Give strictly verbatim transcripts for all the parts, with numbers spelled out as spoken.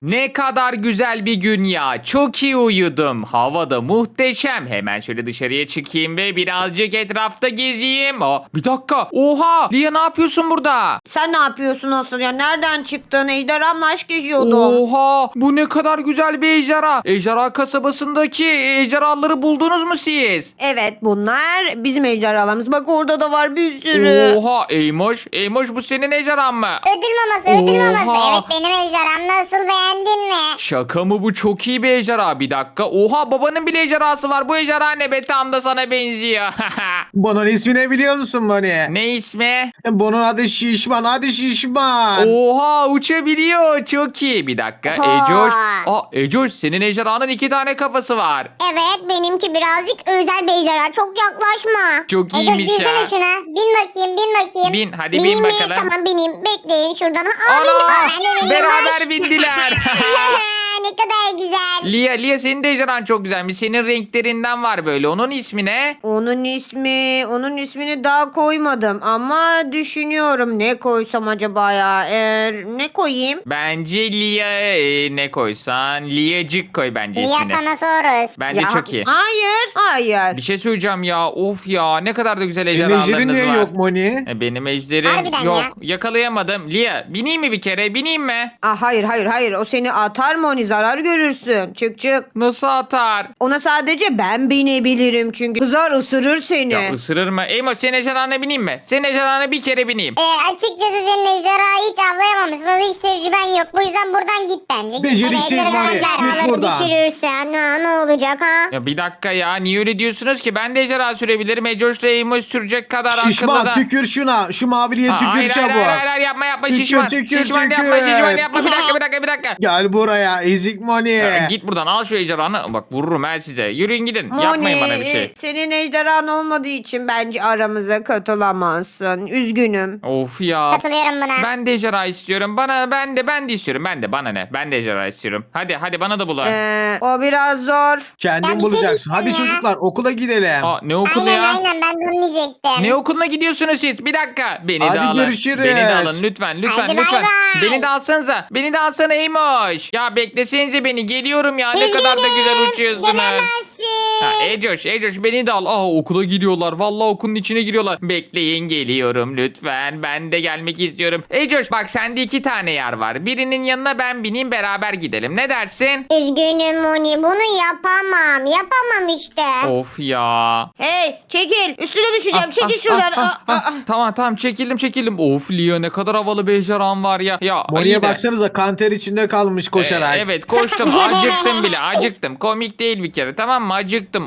Ne kadar güzel bir gün ya. Çok iyi uyudum. Hava da muhteşem. Hemen şöyle dışarıya çıkayım ve birazcık etrafta gezeyim. Aa, bir dakika. Oha. Lia ne yapıyorsun burada? Sen ne yapıyorsun asıl ya? Nereden çıktın? Ejderhamla aşk yaşıyordum. Oha. Bu ne kadar güzel bir ejderha. Ejderha kasabasındaki ejderhaları buldunuz mu siz? Evet, bunlar bizim ejderhalarımız. Bak orada da var bir sürü. Oha. Eymoş. Eymoş bu senin ejderhan mı? Ödül maması, ödül Oha. maması. Evet benim ejderham, nasıl, beğendin mi? Şaka mı bu? Çok iyi bir ejderha. Bir dakika. Oha babanın bile ejderhası var. Bu ejderha ne be? Tam da sana benziyor. Bunun ismi ne biliyor musun Moni? Ne ismi? Bunun adı Şişman. Hadi Şişman. Oha uçabiliyor. Çok iyi. Bir dakika. Oha. Ecoş. Aa Ecoş senin ejderhanın iki tane kafası var. Evet benimki birazcık özel bir ejderha. Çok yaklaşma. Çok Ece, iyiymiş binsene ya. şuna. Bin bakayım, bin bakayım. Bin, hadi bin Bineyim mi? bakalım. Tamam bineyim. Bekleyin şuradan. Aa, bindim. Ana Aa, ben de bindim. beraber Hoş. bindiler. Ne kadar güzel. Lia Lia senin de ejderhan çok güzelmiş. Senin renklerinden var böyle. Onun ismi ne? Onun ismi, onun ismini daha koymadım ama düşünüyorum ne koysam acaba ya? Ee, ne koyayım? Bence Lia e, ne koysan? Liacık koy bence ismini. Liatanosaurus. Bence Ya, çok iyi. Hayır, hayır. Bir şey söyleyeceğim ya. Of ya ne kadar da güzel Senin ejderhalarınız ejderin niye var. yok Moni? E, Benim ejderim Harbiden yok. ya. Yakalayamadım. Lia bineyim mi bir kere? Bineyim mi? Aa, hayır, hayır, hayır. O seni atar mı? Oni zarar görürsün. Çık çık. Nasıl atar? Ona sadece ben binebilirim çünkü. Kızar ısırır seni. Ya ısırır mı? Eymo senin ejderhana bineyim mi? Senin ejderhana bir kere bineyim. Ee, açıkçası senin ejderhayı hiç avlayamamışsın. Hiç tecrüben yok. Bu yüzden buradan git bence. Git. Beceriksiz Ejderha- var ya, git ejderhaları buradan. düşürürsen ha, ne olacak ha? Ya bir dakika ya niye öyle diyorsunuz ki? Ben de ejderha sürebilirim. Ecoş'la Eymo sürecek kadar Şişman akıllı da. tükür şuna. Şu maviliye Aa, tükür hayır, çabuk. hayır, hayır, hayır, yapma yapma Tükür, şişman. tükür, şişman tükür. yapma şişman yapma. Bir dakika bir dakika bir dakika. Gel buraya ezik Moni. Ya, git buradan al şu ejderhanı. Bak vururum ben size. Yürüyün gidin. Yapmayın bana bir şey. Senin ejderhan olmadığı için bence aramıza katılamazsın. Üzgünüm. Of ya. Katılıyorum buna. Ben de ejderha istiyorum. Bana ben de ben de istiyorum. Ben de bana ne? Ben de ejderha istiyorum. Hadi hadi bana da bulun. Ee, o biraz zor. Kendin Ya bir şey bulacaksın. Hadi diyeceğim ya. çocuklar okula gidelim. Aa ne okulu Aynen ya? aynen ben de onu diyecektim. Ne okuluna gidiyorsunuz siz? Bir dakika. Beni Hadi de alın. görüşürüz. Beni de alın lütfen lütfen Hadi bay lütfen. bay. Beni de alsanıza. Beni de alsana Eymoş. Ya beklesenize beni. Geliyorum ya. Ne kadar da güzel uçuyorsunuz. Gelemezsin. Ha, Ecoş, Ecoş beni de al. Aa okula gidiyorlar. Vallahi okulun içine giriyorlar. Bekleyin geliyorum lütfen. Ben de gelmek istiyorum. Ecoş bak sende iki tane yer var. Birinin yanına ben bineyim beraber gidelim. Ne dersin? Üzgünüm Moni, bunu yapamam. Yapamam işte. Of ya. Hey çekil. Üstüne düşeceğim. Çekil Ah, şuradan. ah, ah, Aa, aa, ah. Tamam tamam çekildim çekildim. Of Lia ne kadar havalı bir ejderhan var ya. Ya iyi Moni'ye de- baksanıza kanter içinde kalmış koşarak. Ee, evet koştum acıktım bile acıktım. Komik değil bir kere tamam mı acıktım.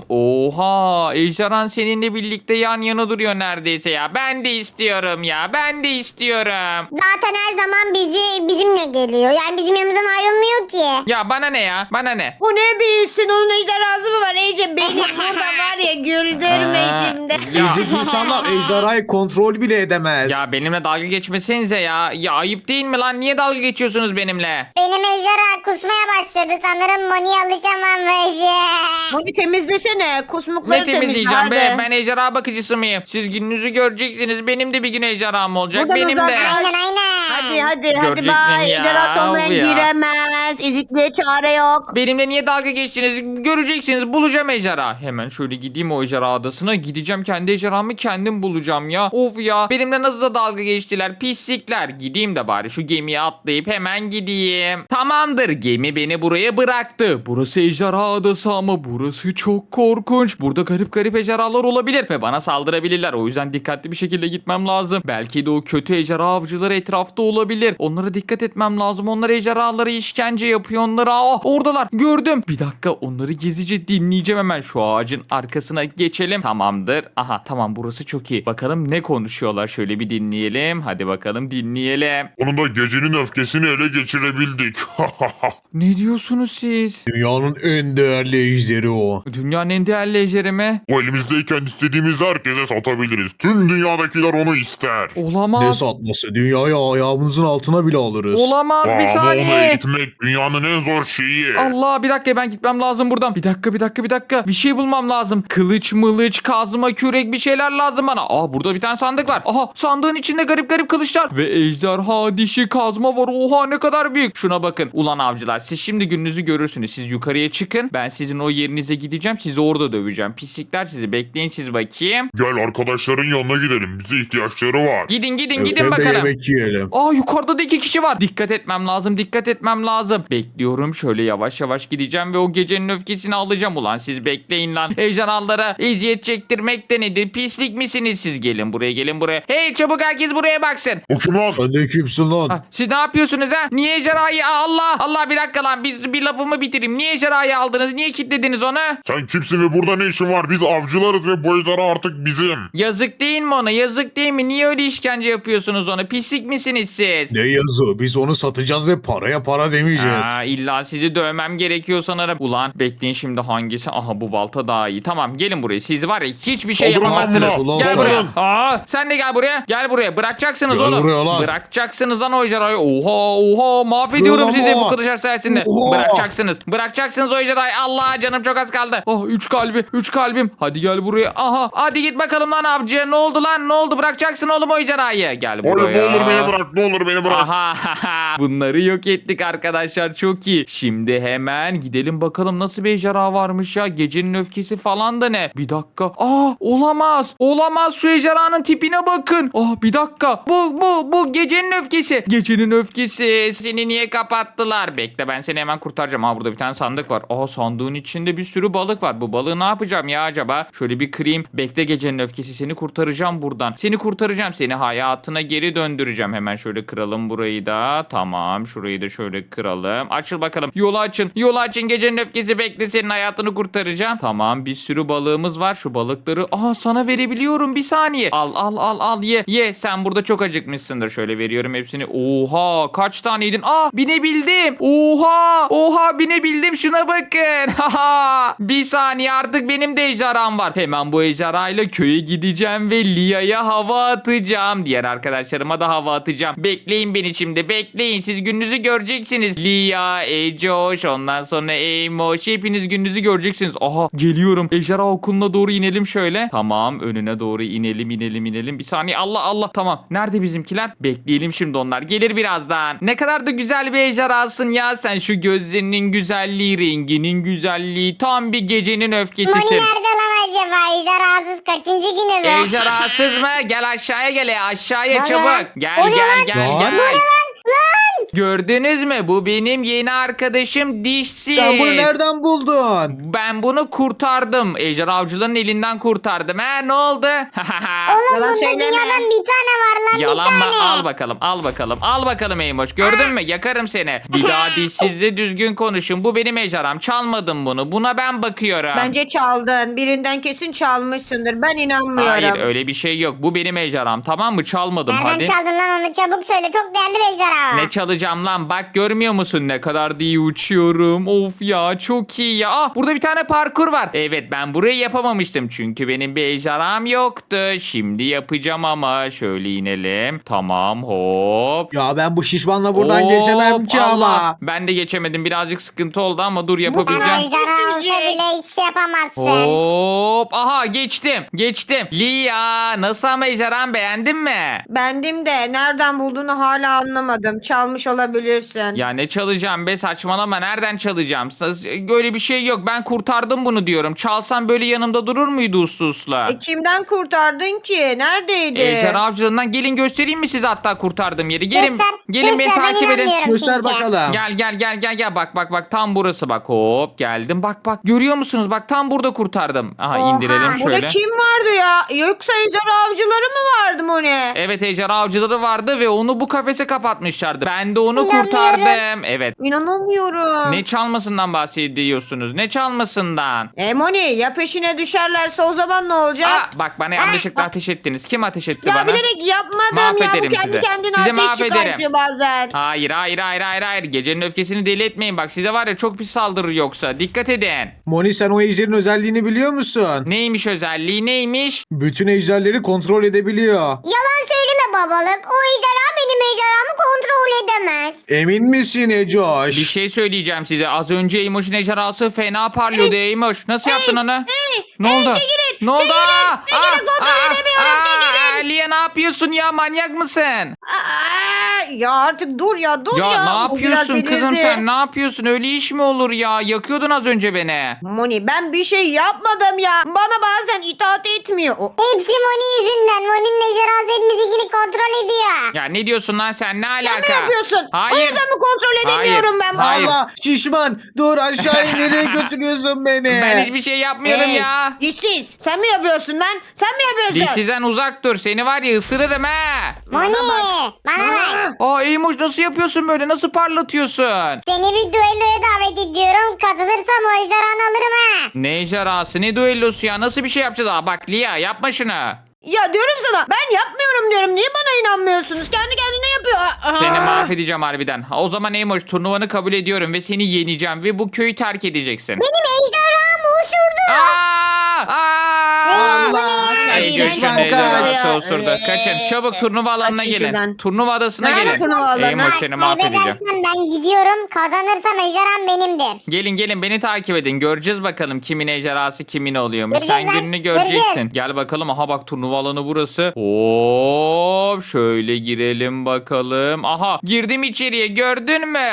Oha ejderhan seninle birlikte yan yana duruyor neredeyse ya. Ben de istiyorum ya ben de istiyorum. Zaten her zaman bizi bizimle geliyor. Yani bizim yanımızdan ayrılmıyor ki. Ya bana ne ya bana ne? Bu ne bilsin onun ejderhası mı var Ece? Beni burada var ya güldürme Aa, şimdi. ya. Ezik insanlar ejderhayı kontrol bile edemez. Ya benimle dalga geçmesenize ya. Ya ayıp değil mi lan? Niye dalga geçiyorsunuz benimle? Benim ejderha kusmaya başladı. Sanırım Moni'ye alışamamış. Bunu temizlesene. Kusmukları Ne temizle temizleyeceğim be? hadi. Ben ejderha bakıcısı mıyım? Siz gününüzü göreceksiniz. Benim de bir gün ejderham olacak. Buradan Benim de. uzaklaş. Aynen aynen. Hadi hadi hadi Göreceksin bay. ya, Ejderha olmayan of ya. giremez. Ezikliğe çare yok. Benimle niye dalga geçtiniz? Göreceksiniz. Bulacağım ejderha. Hemen şöyle gideyim o ejderha adasına. Gideceğim kendi ejderhamı kendim bulacağım ya. Of ya. Benimle nasıl da dalga geçtiler. Pislikler. Gideyim de bari şu gemiye atlayıp hemen gideyim. Tamamdır. Gemi beni buraya bıraktı. Burası ejderha adası ama burası çok korkunç. Burada garip garip ejderhalar olabilir ve bana saldırabilirler. O yüzden dikkatli bir şekilde gitmem lazım. Belki de o kötü ejderha avcıları etrafta olabilir. Onlara dikkat etmem lazım. Onlar ejderhalara işkence yapıyor. Onlara ah oradalar. Gördüm. Bir dakika onları gizlice dinleyeceğim hemen. Şu ağacın arkasına geçelim. Tamamdır. Aha tamam burası çok iyi. Bakalım ne konuşuyorlar. Şöyle bir dinleyelim. Hadi bakalım dinleyelim. Sonunda gecenin öfkesini ele geçirebildik. Ne diyorsunuz siz? Dünyanın en değerli ejderi o. Dünyanın en değerli ejderi mi? Bu elimizdeyken istediğimiz herkese satabiliriz. Tüm dünyadakiler onu ister. Ne Olamaz. satması? Dünyayı ayağımızın altına bile alırız. Olamaz bir Ama onu saniye. eğitmek, dünya dünyanın en zor şeyi. Allah, bir dakika, ben gitmem lazım buradan. Bir dakika bir dakika bir dakika. Bir şey bulmam lazım. Kılıç mılıç, kazma, kürek, bir şeyler lazım bana. Aa, burada bir tane sandık var. Aha, sandığın içinde garip garip kılıçlar. Ve ejderha dişi kazma var. Oha, ne kadar büyük. Şuna bakın. Ulan avcılar, siz şimdi gününüzü görürsünüz. Siz yukarıya çıkın. Ben sizin o yerinize gideceğim. Sizi orada döveceğim. Pislikler sizi. Bekleyin siz bakayım. Gel arkadaşların yanına gidelim. Bize ihtiyaçları var. Gidin gidin Hem gidin de bakalım. yemek yiyelim. Aa, yukarıda da iki kişi var. Dikkat etmem lazım. Dikkat etmem lazım. Bekliyorum. Şöyle yavaş yavaş gideceğim ve o gecenin öfkesini alacağım. Ulan siz bekleyin lan. Ejderhalara eziyet çektirmek de nedir? Pislik misiniz siz? Gelin buraya, gelin buraya. Hey, çabuk herkes buraya baksın. O kim lan? Sen de kimsin lan? Ha, siz ne yapıyorsunuz ha? Niye ejderhayı? Allah Allah, bir dakika lan. Biz bir lafımı bitireyim. Niye ejderhayı aldınız? Niye kilitlediniz onu? Sen kimsin ve burada ne işin var? Biz avcılarız ve bu ejderha artık bizim. Yazık değil mi ona? Yazık değil mi? Niye öyle işkence yapıyorsunuz ona? Pislik misiniz siz? Ne yazı? Biz onu satacağız ve paraya para demeyeceğiz. Aa, illa sizi dövmem gerekiyor sanırım. Ulan bekleyin, şimdi hangisi? Aha, bu balta daha iyi. Tamam, gelin buraya. Siz var ya, hiçbir şey Saldırın lan yapamazsınız. buna. Gel Saldırın. buraya. Aa, sen de gel buraya. Gel buraya. Bırakacaksınız Gel oğlum. buraya lan. Bırakacaksınız lan o ejderhayı. Oha oha, mahvediyorum Dur sizi ama. bu kılıçlar sayesinde. Oha. Bırakacaksınız. Bırakacaksınız o ejderhayı. Allah, canım çok az kaldı. Oh, üç kalbi. Üç kalbim. Hadi gel buraya. Aha. Hadi git bakalım lan avcı. Ne oldu lan? Ne oldu? Bırakacaksın oğlum o ejderhayı. Gel Hayır, buraya. ne olur beni bırak, ne olur beni bırak. Aha, bunları yok ettik arkadaşlar, çok iyi. Şimdi hemen gidelim bakalım nasıl bir ejderha varmış ya. Gecenin öfkesi falan da ne? Bir dakika. Aa, olamaz. Olamaz, şu ejderhanın tipine bakın. Ah, bir dakika. Bu bu bu gecenin öfkesi. Gecenin öfkesi. Seni niye kapattılar? Bekle, ben seni hemen kurtaracağım. Ha, burada bir tane sandık var. Aa, sandığın içinde bir sürü balık var. Bu balığı ne yapacağım ya acaba? Şöyle bir kırayım. Bekle gecenin öfkesi, seni kurtaracağım buradan. Seni kurtaracağım. Seni hayatına geri döndüreceğim. Hemen şöyle kıralım burayı da. Tamam, şurayı da şöyle kıralım. Açıl bakalım. Yolu açın. Yolu açın. Gecenin öfkesi, bekle, senin hayatını kurtaracağım. Tamam, bir sürü balığımız var. Şu balıkları aha sana verebiliyorum. Bir saniye. Al al al al ye. Ye, sen burada çok acıkmışsındır. Şöyle veriyorum hepsini. Oha, kaç tane yedin? Aa, binebildim. Oha. Oha, binebildim. Şuna bakın. Haha. Bir saniye, artık benim de ejderham var. Hemen bu ejderhayla köye gideceğim ve Lia'ya hava atacağım. Diğer arkadaşlarıma da hava atacağım. Bekleyin beni şimdi. Bekleyin. Siz gününüzü göreceksiniz. Lia, Ecoş, ondan sonra Eymoş. Hepiniz gününüzü göreceksiniz. Aha, geliyorum. Ejderha okuluna doğru inelim şöyle. Tamam, önüne doğru inelim inelim inelim. Bir saniye. Allah Allah. Tamam. Nerede bizimkiler? Bekleyelim şimdi onlar. Gelir birazdan. Ne kadar da güzel bir ejderhasın ya sen. Şu gözlerinin güzelliği, renginin güzelliği. Tam bir gecenin Moni öfkesisin. nerede lan acaba? Ejderhasız kaçıncı günü bu? Ejderhasız mı? Gel aşağıya, gel aşağıya Lan çabuk. lan. Gel O ne gel lan? gel Lan. gel. Lan lan. Gördünüz mü? Bu benim yeni arkadaşım Dişsiz. Sen bunu nereden buldun? Ben bunu kurtardım. Ejderha avcıların elinden kurtardım. He, ne oldu? Oğlum Yalan bunda söyleme. dünyadan bir tane var lan, Yalan bir mı? tane. Al bakalım, al bakalım, al bakalım Eymoş. Gördün mü? Yakarım seni. Bir daha dişsizle düzgün konuşun. Bu benim ejderham. Çalmadım bunu. Buna ben bakıyorum. Bence çaldın. Birinden kesin çalmışsındır. Ben inanmıyorum. Hayır, öyle bir şey yok. Bu benim ejderham. Tamam mı? Çalmadım. Nereden Hadi. çaldın lan onu, çabuk söyle, çok değerli bir ejderha. Ne çalacağım lan? Bak, görmüyor musun ne kadar da iyi uçuyorum. Of ya, çok iyi ya. Ah, burada bir tane parkur var. Evet, ben burayı yapamamıştım çünkü benim bir ejderham yoktu. Şimdi yapacağım ama. Şöyle inelim. Tamam, hop. Ya ben bu şişmanla buradan Hop, geçemem ki Allah. ama. Ben de geçemedim. Birazcık sıkıntı oldu ama dur, Sen yapabileceğim. ejderha olsa Geçecek. bile hiçbir şey yapamazsın. Hop. Aha, geçtim. Geçtim. Lia, nasıl ama ejderham, beğendin mi? Bendim de nereden bulduğunu hala anlamadım. Çalmış olabilirsin. Ya ne çalacağım be, saçmalama, nereden çalacağım? Böyle bir şey yok, ben kurtardım bunu diyorum. Çalsam böyle yanımda durur muydu uslu usla? E kimden kurtardın ki? Neredeydi? Ejderha avcılığından gelin göstereyim mi size hatta kurtardığım yeri? Gelin, Göster, gelin beni göster, ben takip edin. inanmıyorum Göster çünkü. bakalım. Gel gel gel gel gel, bak bak bak, tam burası, bak, hop geldim, bak bak, görüyor musunuz, bak tam burada kurtardım. Aha, Oha, indirelim Burada şöyle. kim vardı ya? Yoksa ejderha avcıları mı vardı Moni? Evet, ejderha avcıları vardı ve onu bu kafese kapatmışlardı. Ben de onu İnanmıyorum. kurtardım. Evet. İnanamıyorum. Ne çalmasından bahsediyorsunuz? Ne çalmasından? E Moni, ya peşine düşerlerse o zaman ne olacak? Aa, bak, bana yanlışlıkla ateş ettiniz. Kim ateş etti ya bana? bilerek yapmadım ya. Bu Mahvederim kendi sizi. kendine Sizi ateş mahvederim. çıkartıyor bazen. Hayır hayır hayır hayır hayır. Gecenin öfkesini deli etmeyin. Bak, size var ya çok pis saldırır yoksa. Dikkat edin. Moni, sen o ejderin özelliğini biliyor musun? Neymiş özelliği, neymiş? Bütün ejderleri kontrol edebiliyor. Yalan söyleme, babalık. O ejderha benim ejderhamı kontrol edemez. Emin misin Ecoş? Bir şey söyleyeceğim size. Az önce Eymoş'un ejderhası fena parlıyordu Eymoş. Nasıl yaptın onu? Ne oldu? çekilin, Ne oldu? çekilin. Aa, Çekilin, kontrol aa, edemiyorum, aa, çekilin. Lia ne yapıyorsun ya? Manyak mısın? Aa, ya artık dur ya dur ya. Ya ne Bu biraz yapıyorsun kızım delirdi. sen? Ne yapıyorsun? Öyle iş mi olur ya? Yakıyordun az önce beni. Moni ben bir şey yapmadım ya. Bana bazen itaat etmiyor. O- Hepsi Moni yüzünden. Moni'nin ejderhası hepimizinkini kontrol ediyor. Ya ne diyorsun lan sen? Ne alaka? Sen mi yapıyorsun? O Hayır. yüzden mi kontrol edemiyorum ben? Hayır. Allah şişman dur aşağı in, nereye götürüyorsun beni? Ben hiçbir şey yapmıyorum Hey, ya. Dişsiz. Sen mi yapıyorsun lan? Sen mi yapıyorsun? Dişsizden uzak dur. Seni var ya ısırırım ha. Moni bana bak. Aa, Aa Eymoş nasıl yapıyorsun böyle? Nasıl parlatıyorsun? Seni bir düelloya davet ediyorum. Kazanırsam o ejderhanı alırım ha. Ne ejderhası ne düellosu ya? Nasıl bir şey yapacağız? Aa bak Lia yapma şunu. Ya diyorum sana ben yapmıyorum diyorum. Niye bana inanmıyorsunuz? Kendi kendine yapıyor. Aa. Seni mahvedeceğim harbiden. Ha, o zaman Eymoş turnuvanı kabul ediyorum ve seni yeneceğim ve bu köyü terk edeceksin. Benim ejderhamı uçurdu. Aa! Aa! Allah. Eymoş Şişman ne ejderhası kaç. osurdu. Kaçın çabuk turnuva alanına Kaçın gelin. şuradan. Turnuva adasına Nerede gelin. turnuva alanı? Eymoş seni mahvedeceğim. Kaybedersem ben gidiyorum. Kazanırsam ejderham benimdir. Gelin gelin beni takip edin. Göreceğiz bakalım kimin ejderhası kimin oluyormuş. Göreceğiz Sen lan, gününü göreceksin. göreceğiz. Gel bakalım. Aha bak turnuva alanı burası. Hop şöyle girelim bakalım. Aha girdim içeriye gördün mü?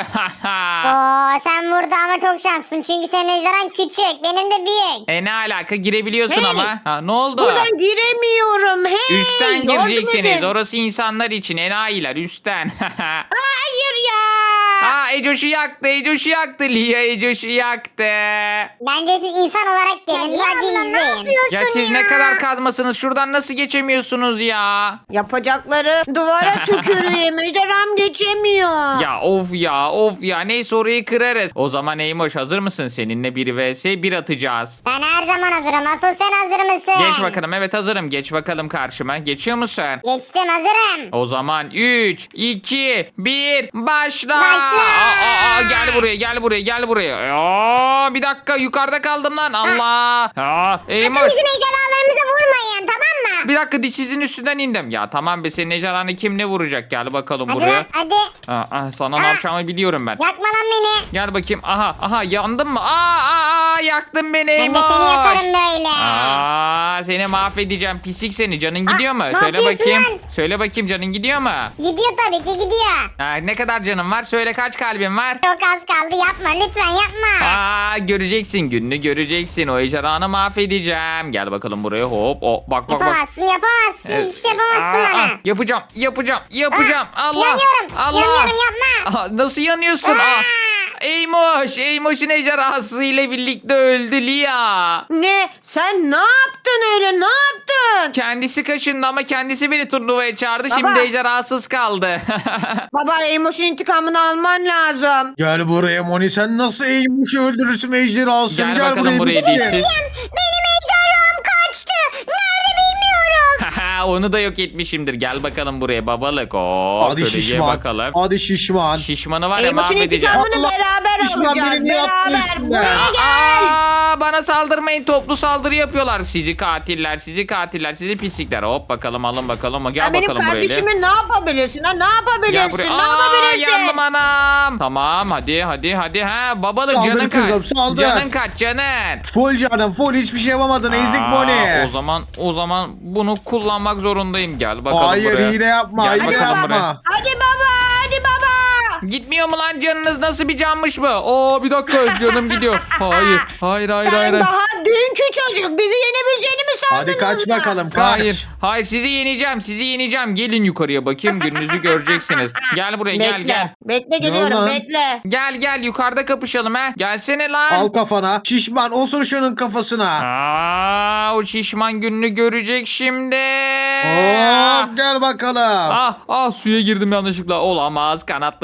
Oo sen burada ama çok şanslısın. Çünkü senin ejderhan küçük. Benim de büyük. e ne alaka girebiliyorsun Hey! ama. Ha, ne oldu? Buradan giremiyorum. Hey, Üstten yardım gireceksiniz. edin. Orası insanlar için. Enayiler üstten. Hayır ya. Aa Ecoş'u yaktı. Ecoş'u yaktı. Lia Ecoş'u yaktı. Bence siz insan olarak gelin. Sadece izleyin. Ya siz ne kadar kazmasınız? Şuradan nasıl geçemiyorsunuz ya? Yapacakları duvara tüküreyim. Ejderham geçemiyor. Ya of ya of ya. Neyse orayı kırarız. O zaman Eymoş hazır mısın? Seninle bir vs bir atacağız. Ben her zaman hazırım. Asıl sen hazır mısın? Geç bakalım. Evet hazırım. Geç bakalım karşıma. Geçiyor musun? Geçtim hazırım. O zaman üç, iki, bir, başla. Başla. Aa, aa, aa, gel buraya, gel buraya, gel buraya. Aa, bir dakika yukarıda kaldım lan. Allah. Aa, Eymoş. Bizim ejderhalarımıza vurmayın tamam mı? Bir dakika dişsizin üstünden indim. Ya tamam be senin ejderhanı kim ne vuracak? Gel bakalım Hadi buraya. lan hadi. Aa, aa, sana ne yapacağımı biliyorum ben. Yakma lan beni. Gel bakayım. Aha aha yandın mı? Aa, aa, aa yaktın beni Ben de Eymoş. seni yakarım böyle. Aa, seni mahvedeceğim. Pislik seni. Canın gidiyor mu? ne Söyle yapıyorsun bakayım. lan? Söyle bakayım canın gidiyor mu? Gidiyor tabii ki gidiyor. Ha, ne kadar canın var? Söyle kaç kalbin var? Çok az kaldı yapma lütfen yapma. Aa göreceksin gününü göreceksin. O ejderhanı mahvedeceğim. Gel bakalım buraya hop. O, bak bak bak. Yapamazsın yapamazsın. Hiçbir şey yapamazsın Aa, bana. aa, yapacağım yapacağım yapacağım. Aa, Allah. yanıyorum, Allah. yanıyorum, yapma. Aa, nasıl yanıyorsun? Aa. Aa. Eymoş. Eymoş'un ejderhası ile birlikte öldü Lia. Ne? Sen ne yaptın öyle? Ne yaptın? Kendisi kaşındı ama kendisi beni turnuvaya çağırdı. Baba. Şimdi ejderhasız kaldı. Baba Emoş'un intikamını alman lazım. Gel buraya Moni, sen nasıl eğilmiş öldürürsün ejderhasını? Gel Gel, bakalım buraya buraya bitsin. dişsiz. Benim ejderham kaçtı. Nerede bilmiyorum. Onu da yok etmişimdir. Gel bakalım buraya babalık. Oo, Hadi şöyle ye şişman. bakalım. Hadi şişman. Şişmanı var ya Emoş'un mahvedeceğim. intikamını Allah, beraber düşman alacağız. birini yaptı Beraber. üstüne. Buraya gel. Aa, bana saldırmayın. Toplu saldırı yapıyorlar. Sizi katiller, sizi katiller, sizi pislikler. Hop bakalım alın bakalım. Gel Sen benim bakalım buraya. kardeşime ne yapabilirsin ha? Ne Gel yapabilirsin? buraya. Ne Aa, yapabilirsin? yandım anam. Tamam hadi hadi hadi. Ha babalık Saldır canın kızım, kaç. saldır. Canın kaç canın. Full canım full, hiçbir şey yapamadın ezik Aa, Moni. O zaman o zaman bunu kullanmak zorundayım. Gel bakalım Hayır buraya. hile yapma, Gel hile bakalım yapma. buraya. Hadi baba, hadi baba. Gitmiyor mu lan canınız? Nasıl bir canmış bu? Oo bir dakika canım gidiyor. Hayır. Hayır hayır Sen hayır. daha dünkü çocuk. Bizi yenebileceğini mi sandın? Hadi kaç orada? bakalım kaç. Hayır. Hayır sizi yeneceğim. Sizi yeneceğim. Gelin yukarıya bakayım. Gününüzü göreceksiniz. Gel buraya gel Bekle. gel. Bekle geliyorum lan? bekle. Gel gel yukarıda kapışalım ha. Gelsene lan. Al kafana. Şişman osur şunun kafasına. Aa, o şişman gününü görecek şimdi. Hop gel bakalım. Ah ah suya girdim yanlışlıkla. Olamaz. Kanatları ıslanacak.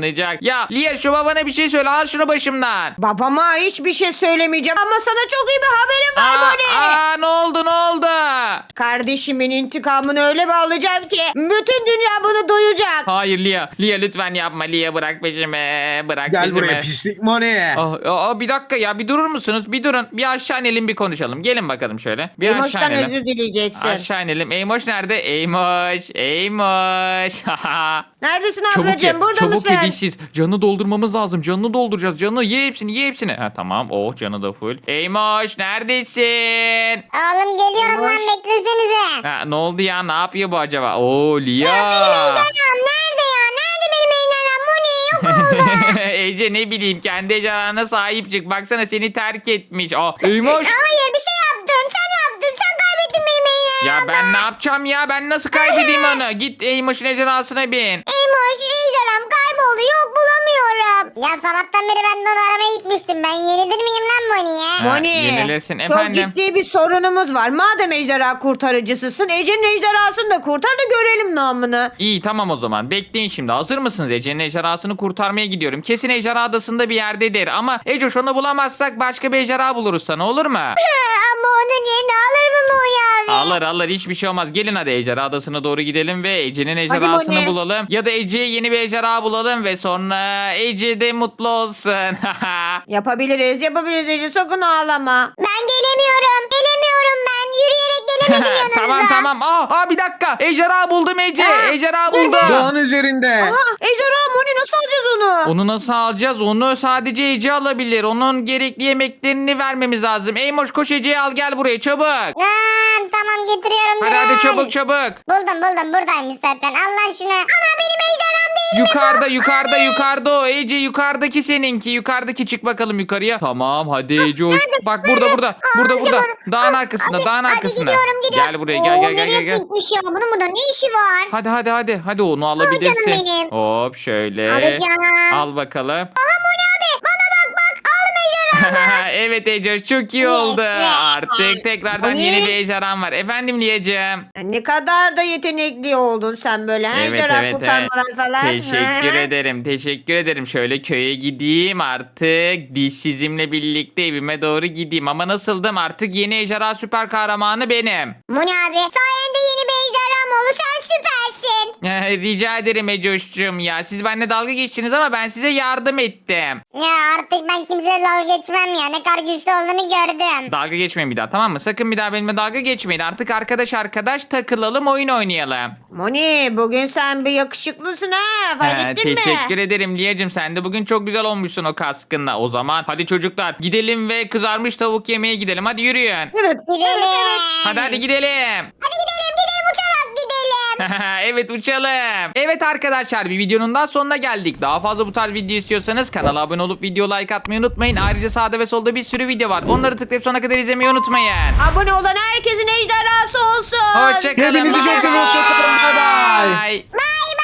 kazanacak. Ya Lia şu babana bir şey söyle, al şunu başımdan. Babama hiçbir şey söylemeyeceğim ama sana çok iyi bir haberim var Aa, Moni. aa, ne oldu ne oldu? Kardeşimin intikamını öyle bir alacağım ki bütün dünya bunu duyacak. Hayır Lia. Lia lütfen yapma. Lia bırak peşimi. Bırak Gel peşimi. buraya pislik Moni. Ah, aa, bir dakika ya, bir durur musunuz? Bir durun. Bir aşağı inelim, bir konuşalım. Gelin bakalım şöyle. Bir aşağı Emoş'tan inelim. özür dileyeceksin. Aşağı inelim. Eymoş nerede? Eymoş. Eymoş. Neredesin Çabuk ye. ablacığım? Burada Çabuk mısın? ye dişsiz. Canı doldurmamız lazım. Canını dolduracağız. Canı ye hepsini. Ye hepsini. Ha tamam. Oh canı da full. Eymoş neredesin? Oğlum geliyorum lan Boş. beklesenize. Ha, ne oldu ya? Ne yapıyor bu acaba? Oo Lia. Ejderham nerede ya? Nerede benim ejderham? Moni yok oldu. Ece ne bileyim, kendi ejderhana sahip çık. Baksana seni terk etmiş. Aa, Eymoş. Hayır bir şey yaptın. Sen yaptın. Sen kaybettin benim ejderhamı. Ya ben ne yapacağım ya? Ben nasıl kaybedeyim onu? Git Eymoş'un ejderhasına bin. Emoş ejderham kayboldu. Yok bulamıyorum. Ya sabahtan beri ben de onu aramaya gitmiştim. Ben yenilir miyim lan Moni'ye? Ha, Moni, yenilirsin. çok Efendim? ciddi bir sorunumuz var. Madem ejderha kurtarıcısısın, Ece'nin ejderhasını da kurtar da görelim namını. İyi tamam o zaman. Bekleyin şimdi. Hazır mısınız? Ece'nin ejderhasını kurtarmaya gidiyorum. Kesin ejderha adasında bir yerdedir. Ama Ecoş onu bulamazsak başka bir ejderha buluruz sana, olur mu? Ama onun yerini alır mı Moni abi? Alır alır, hiçbir şey olmaz. Gelin hadi ejderha adasına doğru gidelim ve Ece'nin ejderhasını Moni. bulalım. Ya da Ece'ye yeni bir ejderha bulalım ve sonra Ece de mutlu olsun. Yapabiliriz, yapabiliriz Ece. Sakın ağlama. Ben gelemiyorum. Gelemiyorum ben. Yürüyerek gelemedim yanınıza. tamam tamam. Aa, aa bir dakika. Ejderha buldum Ece. Aa, Ejderha gördüm. buldum. Dağın üzerinde. Aha, ejderha Moni, nasıl alacağız onu? Onu nasıl alacağız? Onu sadece Ece alabilir. Onun gerekli yemeklerini vermemiz lazım. Eymoş koş Ece'yi al, gel buraya çabuk. Aa, tamam getiriyorum. Hadi durun. hadi çabuk çabuk. Buldum buldum buradaymış zaten. Al lan şunu. Ana benim ejderham değil. Yukarıda yukarıda yukarıda o. Ece yukarıdaki seninki. Yukarıdaki, çık bakalım yukarıya. Tamam hadi Ece hoş. Bak burada burada. Burada Aa, burada. çabuk. Dağın Aa, arkasında hadi, dağın hadi arkasında. gidiyorum gidiyorum. Gel buraya gel gel gel gel. nereye gel. gitmiş ya? Bunun burada ne işi var? Hadi hadi hadi. Hadi onu alabilirsin. benim. Hop şöyle. Alacağım. Al bakalım. Aha Moni abi bana bak bak. Aldım ejderhamı. Evet Ece çok iyi Yes. oldu. Artık tekrardan Moni. yeni bir ejderham var. Efendim Liyacığım. Ne kadar da yetenekli oldun sen böyle. ha? Evet, Ejderha evet, kurtarmalar falan. Teşekkür Hı hı. ederim. Teşekkür ederim. Şöyle köye gideyim artık. Dişsizimle birlikte evime doğru gideyim. Ama nasıldım? Artık yeni ejderha süper kahramanı benim. Moni abi sayende yeni bir ejderham oldu. Sen süpersin. Rica ederim Ecoş'cum ya. Siz benimle dalga geçtiniz ama ben size yardım ettim. Ya artık ben kimseye dalga geçmem ya. Ne kadar güçlü olduğunu gördüm. Dalga geçmeyin bir daha, tamam mı? Sakın bir daha benimle dalga geçmeyin. Artık arkadaş arkadaş takılalım, oyun oynayalım. Moni, bugün sen bir yakışıklısın ha. Fark He, ettin mi? teşekkür ederim Liyacığım. Sen de bugün çok güzel olmuşsun o kaskınla. O zaman hadi çocuklar gidelim ve kızarmış tavuk yemeye gidelim. Hadi yürüyün. Evet. Gidelim. Hadi hadi gidelim. Hadi gidelim gidelim uçarak gidelim. Evet uçalım. Evet arkadaşlar, bir videonun daha sonuna geldik. Daha fazla bu tarz video istiyorsanız kanala abone olup video like atmayı unutmayın. Ayrıca sağda ve solda bir sürü video var. Onları tıklayıp sonuna kadar izlemeyi unutmayın. Abone olan herkesin ejderhası olsun. Hoşçakalın. Hepinizi çok seviyoruz. Hoşçakalın. Bay bay. Bye. Bay bay.